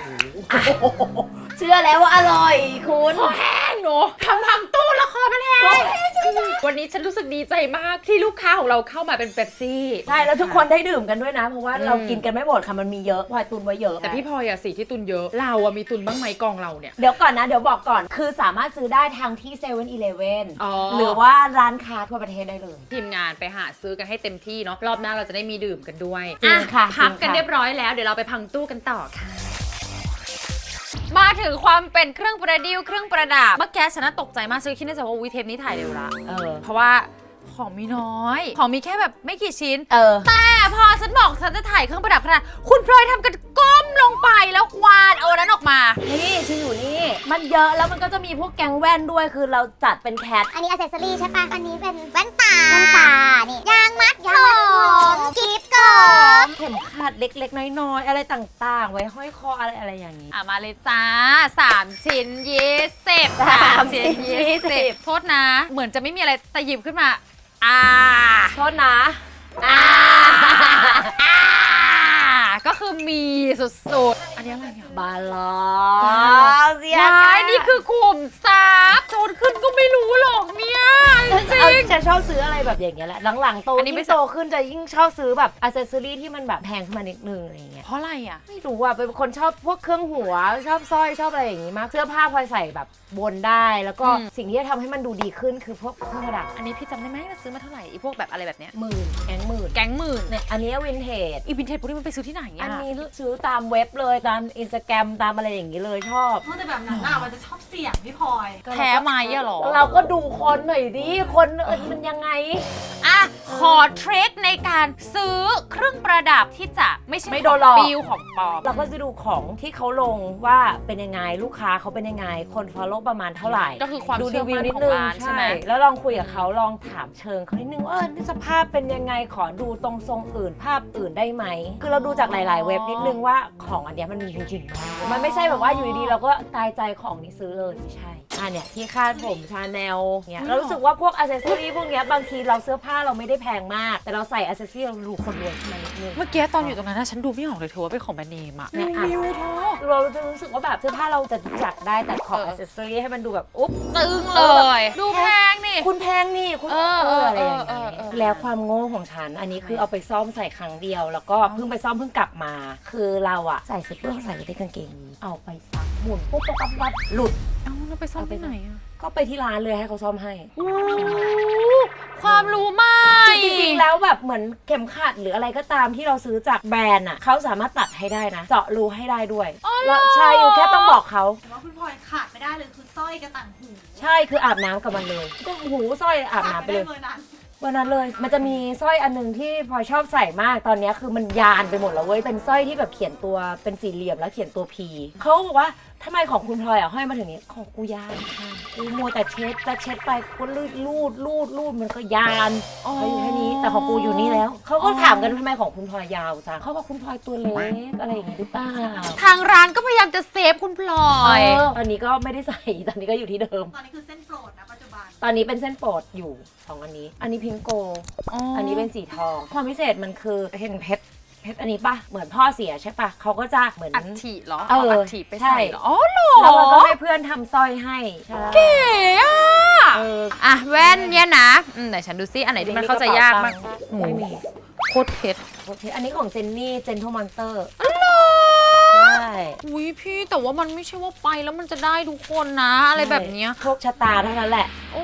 S2: เชื่อแล้วว่าอร่อยคุณ
S1: แห้งเนอะทำพังตู้ละครมันแห้งวันนี้ฉันรู้สึกดีใจมากที่ลูกค้าของเราเข้ามาเป็นเป๊ปซี่
S2: ใช่แล้วทุกคนได้ดื่มกันด้วยนะเพราะว่า
S1: อืม
S2: เรากินกันไม่หมดค่ะมันมีเยอะพลอยตุนไว้เยอะ
S1: แต่พี่พลอยอะสีที่ตุนเยอะเราอะมีตุนบ้างไหมกองเราเนี่ย
S2: เดี๋ยวก่อนนะเดี๋ยวบอกก่อนคือสามารถซื้อได้ทางที่เซเว่นอีเลฟเว่น
S1: อ๋อ
S2: หรือว่าร้านค้าทั่วประเทศได้เลย
S1: ทีมงานไปหาซื้อกันให้เต็มที่เนาะรอบหน้าเราจะได้มีดื่มกันด้วย
S2: จริงค่ะ
S1: อ่พัก
S2: จริงค่ะ
S1: กันเรียบร้อยแล้วเดี๋ยวเราไปพังตู้กันต่อค่ะ มาถึงความเป็นเครื่องประดิวเครื่องประดับเมื่อกี้ฉันน่ะตกใจมากฉันคิดในใจว่าวิเทปนี้ถ่ายเร็วละ
S2: เออ
S1: เพราะว่าของมีน้อย ของมีแค่แบบไม่กี่ชิ้น
S2: เออ
S1: แต่พอฉันบอกฉันจะถ่ายเครื่องประดับขนาดคุณพลอยทำกันก้มลงไปแล้วควานเอาอันนั้นออกมา
S2: นี่ชื่ออยู่นี่ มันเยอะแล้วมันก็จะมีพวกแก๊งแว่นด้วยคือเราจัดเป็นแคท
S4: อันนี้อ c เซสซอรี่ใช่ปะอันนี้เป็นแว่นตา แว่นตา นี่ ยางมัดผมกิฟต์กล่อง
S2: เข็มขัดเล็กๆ น้อยๆ อะไรต่างๆ ไว้ห้อยคออะไรอะไรอย่างนี้
S1: อ่ะมาเลยจ้าสามชิ้นยี่สิบ
S2: สามชิ้น
S1: ยี่
S2: ยี่สิ
S1: สิบบ โทษนะ เหมือนจะไม่มีอะไรแต่หยิบขึ้นมาอ่า
S2: โทษนะอ่า
S1: อ่าก็คือมีสุดๆอันนี้อะไรอ่ะ
S2: บาลอนเสีย
S1: ว้ายนี่คือขุมทรัพย์โจนขึ้นก็ไม่รู้หรอกเนี่ยจริ
S2: เอา
S1: ง
S2: จะชอบซื้ออะไรแบบอย่างเงี้ยแหละหลังๆโต
S1: อันนี้
S2: ยิ่
S1: ไม่
S2: งโตขึ้นจะยิ่งชอบซื้อแบบอ c เซสซอรี่ที่มันแบบแพงขึ้นมานิดนึงอะไรอย่างเงี้ย
S1: เพราะอะไรอ่ะ
S2: ไม่รู้อ่ะเป็นคนชอบพวกเครื่องหัวชอบสร้อยชอบอะไรอย่างงี้มากเสื้อผ้าพลอยใส่แบบบนได้ แล้วก็
S1: อืม
S2: สิ่งที่จะทำให้มันดูดีขึ้นคือพวกเครื่องประดับ
S1: อันนี้พี่จำได้ไหมว่าซื้อมาเท่าไหร่ไอีพวกแบบอะไรแบบเนี้ย
S2: หมื่นแองหมื่น
S1: แก๊งหมื่น
S2: เนี่ยอันนี้วินเทจ
S1: อีวินเทจพวกนี้มันไปซื้อที่ไหน
S2: อั
S1: อ่ะ
S2: นนี้ซื้อตามเว็บเลยตามอินสตาแกรมตามอะไรอย่างงี้เลยชอบ
S3: เพราะแต่แบบนั้นน่ะมันจะชอบเสี่ยงพี่พลอย
S1: แพ้ไหมอะหรอ
S2: เราก็ดูคนหน่อยดิคนเออมันยังไง
S1: อ่ะขอเทรคในการซื้อเครื่องประดับที่จะไม่ใช่
S2: ไม่โดนหลอก
S1: ของปิวของปลอม
S2: เราก็จะดูของที่เขาลงว่าเป็นยังไงลูกค้าเขาเป็นยังไงคน follow ประมาณเท่าไหร่
S1: ก็คือความ
S2: ดู
S1: เชื่
S2: รี
S1: อ
S2: วิว
S1: มั่น
S2: นิด
S1: ของ
S2: นึง
S1: ร้านใช่ไหม
S2: แล้วลองคุยกับเขาลองถามเชิงเขานิดนึงว่าเออนี่สภาพเป็นยังไงขอดูตรงทรงอื่นภาพอื่นได้ไหมคือเราดูจากหลาย ๆ เว็บนิดนึงว่าของอันเนี้ยมันมีจริงๆไหมมันไม่ใช่แบบว่าอยู่ดีๆเราก็ตายใจของนี้ซื้อเลยไม่ใช่อ่ะเนี่ยที่คาดผมชาแนลเนี่ยเรารู้สึกว่าพวกอ c เซสซอรี่พวกเนี้ยบางทีเราเสื้อผ้าเราไม่ได้แพงมาก แต่เราใส่อ c เซสซอรี่เราดูคนรวยขึ้นมานิดนึง
S1: เมื่อกี้ตอนอยู่ตรงนั้นนะฉันดูไม่ออกเลยเธอว่าเป็นของแบรนด์เนมอะ
S2: เนี่ยอ่ะ
S1: มิวเธอ
S2: เราจะรู้สึกว่าแบบเสื้อผ้าเราจะจัดได้แต่ของ
S1: เออ
S2: อ c เซสซอรี่ให้มันดูแบบอุ๊บ
S1: ซึ้งเลย ดูแพงนี่
S2: คุณแพงนี่คุณ
S1: เออ
S2: เอออะไรอย่าง
S1: เอ
S2: เงี้
S1: อเออเออ
S2: แล้วความโง่ของฉัน อันนี้คือเอาไปซ่อมใส่ครั้งเดียว แล้วก็เพิ่งไปซ่อมเพิ่งกลับมา คือเราอะใส่เสื้อเพื่อใส่ไว้ในกางเกงนี้เอาไปซักหมุนปุ๊บปั๊บปั๊บปั๊บหลุด
S1: เอ้าเราไปซ่อมที่ไหนอะ
S2: ก็ไปที่ร้านเลยให้เขาซ่อมให้
S1: โอ้ความรู้ใหม่
S2: จริงๆแล้วแบบเหมือนเข็มขัดหรืออะไรก็ตามที่เราซื้อจากแบรนด์อะเขาสามารถตัดให้ได้นะ เจาะรูให้ได้ด้วย
S1: อ๋อเหรอ
S2: แล้วใช่อยู่แค่ต้องบอกเขา
S3: แต่ว่าคุณพลอยขาดไม่ได้เลยคือสร้อยกระต่างหู
S2: ใช่คืออาบน้ำกับมันเลยก็หูสร้อยอาบน้ำไปเลย
S3: ขาดม่ด้เบอร์นั้น
S2: วันนั้นเลยมันจะมีสร้อยอันหนึงที่พลอยชอบใส่มากตอนนี้คือมันยานไปหมดแล้วเว้ยเป็นสร้อยที่แบบเขียนตัวเป็นสี่เหลี่ยมแล้วเขียนตัวพีเขาบอกว่าทำไมของคุณพลอยอ่ะห้อยมาถึงนี้ของกูยานค่ะกูมัวแต่เช็ดแต่เช็ดไปก็ลูดลูดลูดลูดมันก็ยานเขาอยู่แค่นี้แต่ของกูอยู่นี่แล้วเขาก็ถามกันทำไมของคุณพลอยยาวจังเขาบอกคุณพลอยตัวเล็กอะไรอย่างงี้หรือเปล่า
S1: ทางร้านก็พยายามจะเซฟคุณพลอย
S2: เออตอนนี้ก็ไม่ได้ใส่ตอนนี้ก็อยู่ที่เดิม
S3: ตอนนี้คือเส้นโปรดนะปัจจุบัน
S2: ตอนนี้เป็นเส้นโปรดอยู่สองอันนี้ อันนี้พิงโก อันนี้เป็นสีทอง ความพิเศษมันคือเห็นเพชรเพชรอันนี้ปะเหมือนพ่อเสียใช่ปะเขาก็จะเหมือน
S1: อัฐิเหรอ
S2: เออ
S1: เอาอัฐิไป
S2: ใช่
S1: ใส่เหรออ๋อเหรอ
S2: แล้วมันก็ให้เพื่อนทำสร้อยให้ใช่
S1: เก๋อะ
S2: เออ
S1: อ่ะแว่นเนี่ยนะอืมไหนฉันดูซิอันไหนที่มันเข้าใจยากมาก
S2: ไม่มี
S1: โคตรเพชร
S2: โอเคอันนี้ของเจนนี่เจนทมอนเตอร์
S1: อ๋อเหรอ
S2: ใช่
S1: อุ้ยพี่แต่ว่ามันไม่ใช่ว่าไปแล้วมันจะได้ทุกคนนะ อะไรแบบเนี้ย
S2: โชคชะตาเท่านั้นแหละ
S1: โอ้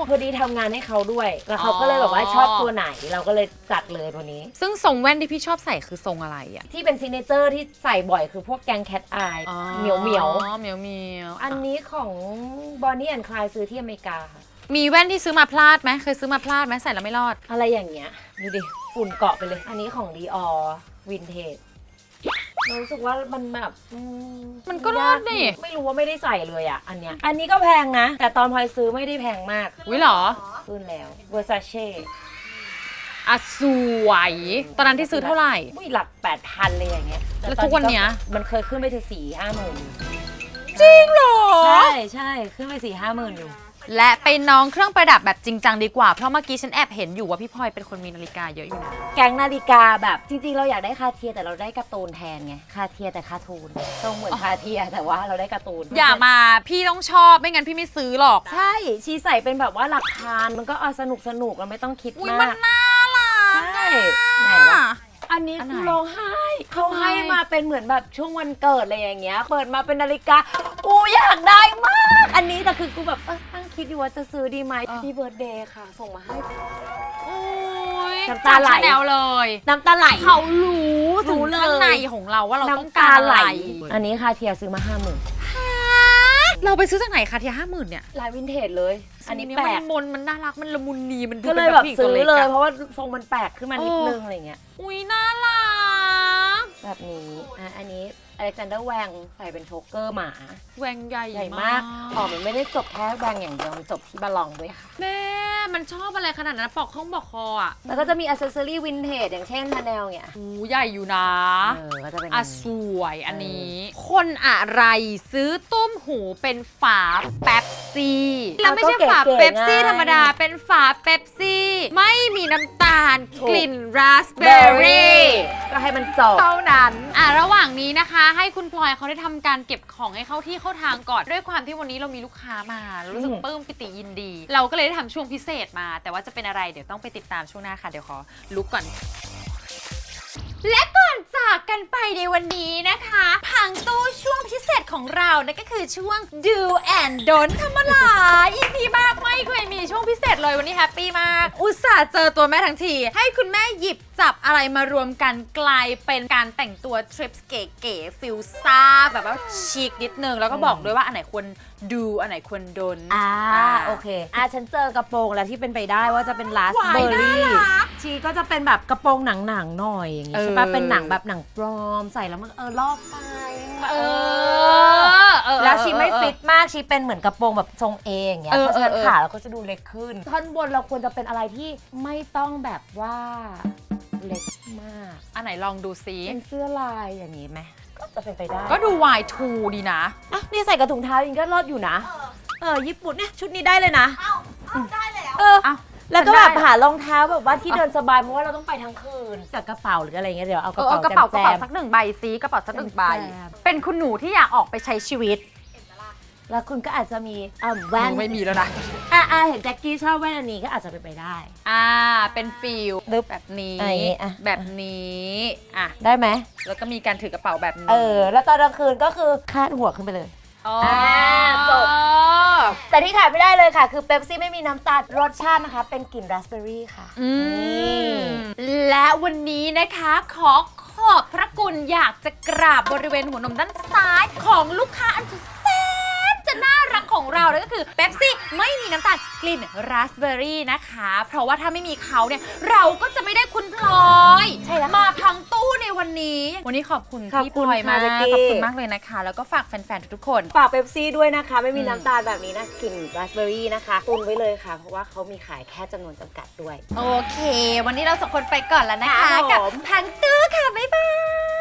S2: พอดีทำงานให้เขาด้วยแล้วเขาก็เลยแบบว่าชอบตัวไหนเราก็เลยจัดเลยตัวนี้
S1: ซึ่งทรงแว่นที่พี่ชอบใส่คือทรงอะไรอ่ะ
S2: ที่เป็นซิกเนเจอร์ที่ใส่บ่อยคือพวกแกงแคทอายเหมียวเหมียว
S1: อ๋อเหมียวเหมียว
S2: อันนี้ของ Bonnie and Clyde ซื้อที่อเมริกาค่ะ
S1: มีแว่นที่ซื้อมาพลาดไหมเคยซื้อมาพลาดไหมใส่แล้วไม่รอด
S2: อะไรอย่างเงี้ยดูดิฝุ่นเกาะไปเลย อันนี้ของ Dior Vintage รู้สึกว่ามันแบบอื
S1: มันก็รอดนี่
S2: ไม่รู้ว่าไม่ได้ใส่เลยอ่ะ อันเนี้ยอันนี้ก็แพงนะ แต่ตอนพลอยซื้อไม่ได้แพงมาก
S1: อุ้ยเหรอ
S2: ขึ้นแล้ว Versace
S1: อ่ะสวย ตอนนั้นที่ซื้อเท่าไหร่
S2: อุ้ยหลักแปดพันเลยอย่างเงี้ย
S1: แล้วทุกวันเนี้ย
S2: มันเคยขึ้นไปถึงสี่ห้าหมื่น
S1: จริงเหรอ
S2: ใช่ใช่ขึ้นไปสี่ห้าหมื่นอยู่
S1: และไปน้องเครื่องประดับแบบจริงจังดีกว่า เพราะเมื่อกี้ฉันแอบเห็นอยู่ว่าพี่พลอยเป็นคนมีนาฬิกาเยอะอยู่นะ
S2: แก๊งนาฬิกาแบบจริงๆ เราอยากได้คาเทียแต่เราได้การ์ตูนแทนไงคาเทียแต่คาทูนทรงเหมือนคาเทียแต่ว่าเราได้การ์ตูน
S1: อย่ามาพี่ต้องชอบไม่งั้นพี่ไม่ซื้อหรอก
S2: ใช่ชีใส่เป็นแบบว่าหลักพันมันก็เอาสนุกสนุกเราไม่ต้องคิด
S1: อุ้ย
S2: มา
S1: มัน
S2: ก
S1: น่ารัก
S2: ใช่ไหนวะอันนี้
S1: อันไหน
S2: คือร้องไห้เขา
S1: ทำไม
S2: ให้มาเป็นเหมือนแบบช่วงวันเกิดอะไรอย่างเงี้ยเปิดมาเป็นนาฬิกาอูอยากได้มาก อันนี้แต่คือกูแบบเออตั้งคิดอยู่ว่าจะซื้อดีไหมพี่เบิร์ดเดย์ค่ะ ส่งมาให้
S1: โอ้ย
S2: น้ำตาไหล
S1: จก Chanel เลย
S2: น้ำตาไหล
S1: เขารู้ถึง
S2: รู้เลย
S1: ข้างในของเราว่าเราต้อง
S2: น้ำ
S1: กา
S2: ตาร
S1: อะ
S2: ไหล
S1: ไร
S2: อันนี้คาเทียซื้อมาห้าหมื่น
S1: เราไปซื้อจากไหนคะที่ห้าหมื่นเนี่ย
S2: ลายวินเทจเลย อันนี้
S1: ทรง
S2: แปล
S1: มั
S2: ก
S1: นมนมันน่ารักมันละมุนนีมันดู
S2: ก็เล
S1: เป็
S2: ย
S1: น
S2: แบบ
S1: ผู้หญิง
S2: ซื้
S1: ตัว
S2: อ
S1: เล็ก
S2: เลย
S1: อะ
S2: เพราะว่าทรงมันแปลกขึ้นมานิด
S1: เออ
S2: นึงอะไรเงี้ย
S1: อุ้ยน่ารัก
S2: แบบนี้อ่ะอันนี้อเล็กซานเดอร์แวงใส่เป็นโชกเกอร์หมา
S1: แหวงใหญ่
S2: ใหญ่มากอ๋อมันไม่ได้จบแค่แวงอย่างเดียวมันจบที่บาลองด้วยค่ะ
S1: แม่มันชอบอะไรขนาดนั้นปอกข้องปอกคออ่ะ
S2: แล้วก็จะมีอ c เซสซอรี่วินเทจอย่างเช่นชาแนลเนี่ย
S1: อู้ใหญ่อยู่นะ
S2: เออก็จะเป็น
S1: อ่ะสวยอันนี้ คนอะไรซื้อตุ้มหูเป็นฝาเป๊ปซี่แล้วไม่ใช่ฝาเป๊ปซี่ธรรมดาเป็นฝาเป๊ปซี่ไม่มีน้ำตาลกลิ่นราสเบอร์รี่
S2: ก็ให้มันจบ
S1: เท่านั้นอ่ะระหว่างนี้นะคะ ให้คุณพลอยเขาได้ทำการเก็บของให้เข้าที่เข้าทางก่อนด้วยความที่วันนี้เรามีลูกค้ามารู้สึก
S2: อืม
S1: ปลื้มปิติยินดี เราก็เลยได้ทำช่วงพิเศษมา แต่ว่าจะเป็นอะไรเดี๋ยวต้องไปติดตามช่วงหน้าค่ะเดี๋ยวขอลุกก่อน และก่อนจากกันไปในวันนี้นะคะพังตู้ช่วงพิเศษของเรานั่นก็คือช่วง Do and Don't ธรรมดา อีพีมากไม่เคยมีช่วงพิเศษเลยวันนี้แฮปปี้มาก อุตส่าห์เจอตัวแม่ทั้งที ให้คุณแม่หยิบจับอะไรมารวมกันกลายเป็นการแต่งตัวทริปเก๋ๆฟิลซ่าแบบว่าชิคนิดนึง แล้วก็บอกด้วยว่าอันไหนควรดูอันไหนควรโดน
S2: อ่าโอเคอ่ะฉันเจอกระโปรงแล้วที่เป็นไปได้ว่าจะเป็นลาส
S1: หวาย
S2: เบอร์รี่
S1: น่ารัก
S2: ชีก็จะเป็นแบบกระโปรงหนังๆหน่อยอย่างงี้
S1: เออ
S2: ใช่ปะเป็นหนังแบบหนังปลอมใส่แล้วมันเออลอกไป
S1: เอ
S2: เอ
S1: อเออ
S2: แล้วชีไม่ฟิตมากชีเป็นเหมือนกระโปรงแบบทรงเองอย่างเงี้ย
S1: เออ
S2: เพราะฉะนั้น
S1: เออ
S2: ขาเราก็จะดูเล็กขึ้น ท่อนบนเราควรจะเป็นอะไรที่ไม่ต้องแบบว่าเล็กมาก
S1: อันไหนลองดูซิ
S2: เป็นเสื้อลายอย่างนี้ไหมก็จะเป็นไปได้
S1: ก็ดู วาย ทู ดีนะ
S2: อ่ะนี่ใส่กับถุงเท้ายิงก็รอดอยู่นะ
S3: เออ
S2: เออญี่ปุ่นเนี่ยชุดนี้ได้เลยนะ
S3: เอ้าเอ้าได้แล้ว
S2: เออ
S1: เอ้า
S2: แล้วก็
S1: ฉันได้
S2: แบบหารองเท้าแบบว่าที่เดินสบายเพราะว่าเราต้องไปทั้งคืนกับกระเป๋าหรืออะไรเงี้ยเดี๋ยวเอาก
S1: เอ
S2: ระ
S1: อ
S2: เป๋า
S1: เอากระเป๋าก
S2: แจ
S1: ระ
S2: ม
S1: เป๋า
S2: ๆ
S1: สักหนึ่งใบซิกระเป๋าสักหนึ่งใบ
S2: แจม
S1: เป็นคุณหนูที่อยากออกไปใช้ชีวิต
S2: แล้วคุณก็อาจจะมีอ่าแว่น
S1: ไม่มีแล้วนะ
S2: อ่าอ่าเห็นแจ็คกี้ชอบแว่นอันนี้ก็อาจจะเป็นไปได้
S1: อ่า เป็นฟิล
S2: ลึบ
S1: แบบนี้
S2: อ่ะอย่างงี้อ่ะ
S1: แบบนี้อ่ะ
S2: ได้ไหม
S1: แล้วก็มีการถือกระเป๋าแบบนี้
S2: เออ แล้วตอนกลางคืนก็คือคาดหัวขึ้นไปเลย
S1: อ๋อ
S2: จบ แต่ที่ขาดไม่ได้เลยค่ะ คือเป๊ปซี่ไม่มีน้ำตาลรสชาตินะคะ เป็นกลิ่นราสเบอร์รี่ค่ะ
S1: อืมและวันนี้นะคะขอขอบพระคุณอยากจะกราบบริเวณหัวนมด้านซ้ายของลูกค้าอันสุดแสนจะน่ารักของเราเลยก็คือเป๊ปซี่ไม่มีน้ำตาลกลิ่นราสเบอร์รี่นะคะ เพราะว่าถ้าไม่มีเขาเนี่ยเราก็จะไม่ได้คุณพลอย
S2: ใช่แล้ว
S1: มาพังตู้ในวันนี้ วันนี้ขอบคุณ
S2: ขอบ
S1: พี่
S2: คุ
S1: พ
S2: ณ
S1: ลอยมาก
S2: ค่ะเจ๊กี้
S1: ขอบคุณมากเลยนะคะ แล้วก็ฝากแฟนๆทุกๆคน
S2: ฝากเป๊ปซี่ด้วยนะคะ ไม่มี
S1: อืม
S2: น้ำตาลแบบนี้นะกลิ่นราสเบอร์รี่นะคะตุนไว้เลยค่ะ เพราะว่าเขามีขายแค่จำนวนจำกัดด้วย
S1: โอเค วันนี้เราสองคนไปก่อนแล้วนะคะ
S2: ครับผม
S1: กับพังตู้ค่ะ บ๊ายบาย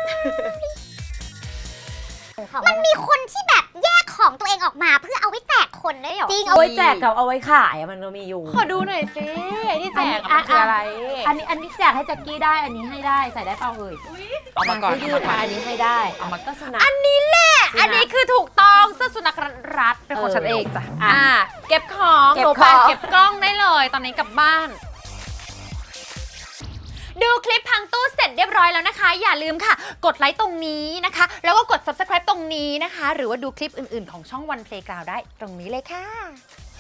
S4: มันมีคนที่แบบแยกของตัวเองออกมาเพื่อเอาไว้แจกคนได้เหรอ
S2: จริงเอาไว้แจกกับเอาไว้ขายอะมันก็มีอยู่
S1: ขอดูหน่อยสิไอ้ที่แจก
S2: อั
S1: มันคืออะไร
S2: อันนี้อันนี้แจกให้แจ็คกี้ได้อันนี้ให้ได้ใส่ได้เปล่าเอ่ย
S1: เอามาก่อน
S2: สื้ยืดค่ะอันนี้ให้ได้
S1: เอามา
S2: ก็สุนัข
S1: อันนี้แหละ
S2: สุนัข
S1: อันนี้คือถูกต้องเสื้อสุนัขรัดเป็นของ
S2: เออ
S1: ฉันเองจ้ะ
S2: อ่ะ
S1: อ่า เก็บของ
S2: เก็บ
S1: หนูไป
S2: ของ
S1: เก็บกล้องได้เลย ตอนนี้กลับบ้าน ดูคลิปพังตู้เสร็จเรียบร้อยแล้วนะคะ อย่าลืมค่ะ กดไลค์ตรงนี้นะคะ แล้วก็กด ซับสไครบ์ ตรงนี้นะคะ หรือว่าดูคลิปอื่นๆของช่อง วัน เพลย์กราวด์ ได้ตรงนี้เลยค่ะ